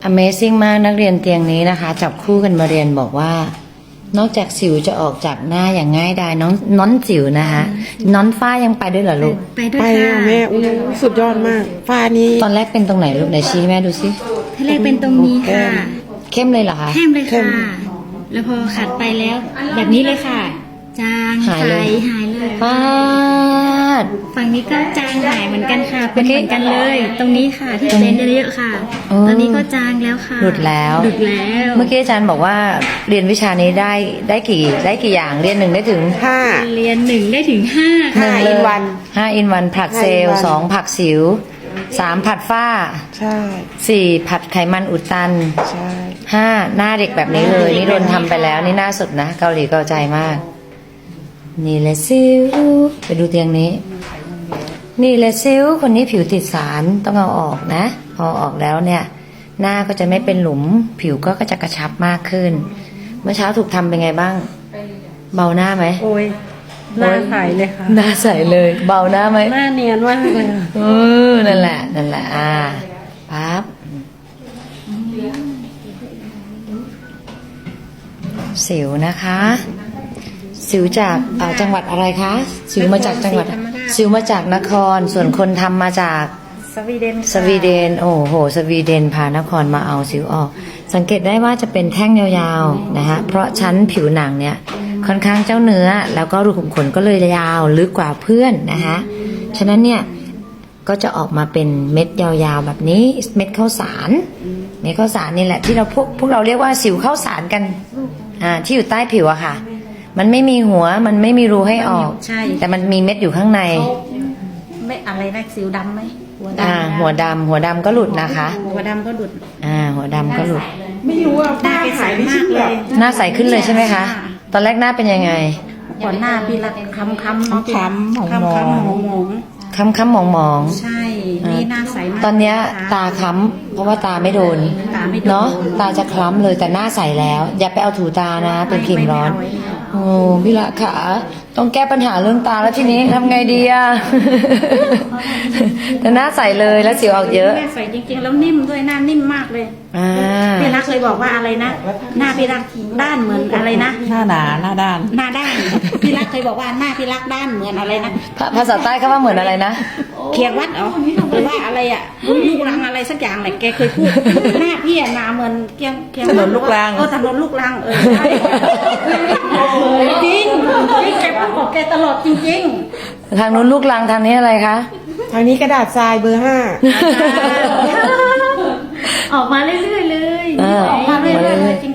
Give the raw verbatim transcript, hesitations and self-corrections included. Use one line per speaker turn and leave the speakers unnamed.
Amazing มากนักเรียนเตียงนี้นะคะจับคู่กันมาเรียนบอกว่า นอกจากสิวจะออกจากหน้าอย่างง่ายดายน้องน้อนสิวนะคะน้อนฝ้ายังไปด้วยเหรอลูก
ไปด้วย
ไป
ค่ะ
อ่ะแม่อู้สุดยอดมากฟ้านี้
ตอนแรกเป็นตรงไหนลูกไหนชี้แม่ดูสิ
ท่าแรกเป็นตรงนี้ค่ะ
เข้มเลยเหรอคะ
แห้มเลยค่ะ แล้วพอขัดไปแล้ว แบบนี้เลยค่ะ จาง
หายเลย
ใสหายเลย
ป้าด
ฝั่งนี้ก็จางหายเหมือนกันค่ะ เป็น
เมื่อกี้
เหมือนกันเลย ตรงนี้ค่ะที่
ตรงนี้
เป็นเยอะๆค่ะ
โอ้
ตอนนี้ก็จางแล้วค่ะ
หลุดแล้ว
หลุดแล้ว
เมื่อกี้อาจารย์บอกว่าเรียนวิชานี้ได้ได้กี่ได้กี่อย่างเรียนหนึ่งได้ถึง
ห้า
เรียนหนึ่งได้ถึงห้า
หนึ่ง
ห้า
เลย
in one
ห้าอินวันผลัดเซลล์
ห้า in one
สองผลัดสิวสามผัดฝ้า
ใช่
สี่ผัดไขมันอุดตัน
ใช่
ห้าหน้าเด็กแบบนี้เลยนี่โดนทำไปแล้วนี่หน้าสุดนะเกาหลีเกาใจมาก นี่แหละซิวไปดูเตียงนี้ นี่แหละซิวคนนี้ผิวติดสารต้องเอาออกนะ พอออกแล้วเนี่ย หน้าก็จะไม่เป็นหลุม ผิวก็จะกระชับมากขึ้น เมื่อเช้าถูกทำเป็นไงบ้าง เบาหน้าไหม
โอ้ยหน้าใสเลยค่ะ
หน้าใสเลย เบาหน้าไหม
หน้าเนียนมากเลย
เออนั่นแหละนั่นแหละอ่าปั๊บสิวนะคะ สิวจากเอ่อจังหวัดอะไรคะ สิวมาจากจังหวัด สิวมาจากนคร ส่วนคนทำมาจาก
สวีเดน
สวีเดน โอ้โห สวีเดนพานครมาเอาสิวออก สังเกตได้ว่าจะเป็นแท่งยาวๆนะคะเพราะชั้นผิวหนังเนี่ยค่อนข้างเจ้าเนื้อ แล้วก็รูขุมขนก็เลยยาวลึกกว่าเพื่อนนะคะฉะนั้นเนี่ยก็จะออกมาเป็นเม็ดยาวๆแบบนี้เม็ดข้าวสารเม็ดข้าวสารนี่แหละที่เราพวกพวกเราเรียกว่าสิวข้าวสารกันอ่าที่อยู่ใต้ผิวอะค่ะ มันไม่มีหัวมันไม่มีรูให้ออก
ใช่
แต่มันมีเม็ดอยู่ข้างใน
ไม่อะไรนะสิวดำไหมหัว
อ่าหัวดำหัวดำก็หลุดนะคะ
หัวดำก็ดุด
อ่าหัวดำก็หลุด
ไม่รู้ว่า
หน้า
ฝ้า
แกใส
หายไป
มา
ชิ้
ก
น
เล
แบบ
ย
หน้าใสขึ้นเลยใช่ไหมคะ ตอนแรกหน้าเป็นยังไง
ก่อนหน้าพี่รักคำคำ
คำคำหมอง
คำคำหมองหมอง
ค้ำค้ำมองมอง
ใช่ นี่หน้าใสมาก
ตอนเนี้ย
ะคะ
ตาค้ำเพราะว่าตาไม่โดน
ตาไม่โดน
เนาะตาจะคล้ำเลยแต่หน้าใสแล้ว อย่าไปเอาถูตานะ เป็นครีมร้อน
ไม่ไม่เอา
โอ้พี่ละขาต้องแก้ปัญหาเรื่องตาแล้วทีนี้ทำไงดีอะ แต่หน้าใสเลยแล้วสิวออกเยอะ
หน้าใสจริงๆแล้วนิ่มด้วยหน้านิ่มมากเลย
อ่า
พี่รักเคยบอกว่าอะไรนะหน้าพี่รักด้านเหมือนอะไรนะ
หน้าหนาหน้าด้าน
หน้าด้านพี่รักเคยบอกว่าหน้าพี่รักด้านเหมือนอะไรนะ
ภาภาษาใต้เขาว่าเหมือนอะไรนะ
เคียงวัดเหรอหรือว่าอะไรอ่ะลูกรังอะไรสักอย่างแหละแกเคยพูดหน้าพี่อะหนาเหมือนเคียงเคียงวัด
ถนนลูกรัง
เออถนนลูกรังเออใช่จริงจริงแกพูดของแกตลอดจริง
ทางนู้นลูกลังทางนี้อะไรคะ
ทางนี้กระดาษทรายเบอร์ห้า
ๆออกมาเรื่อยๆเลย
เออ
ออกมาเรื่อยๆเลยจ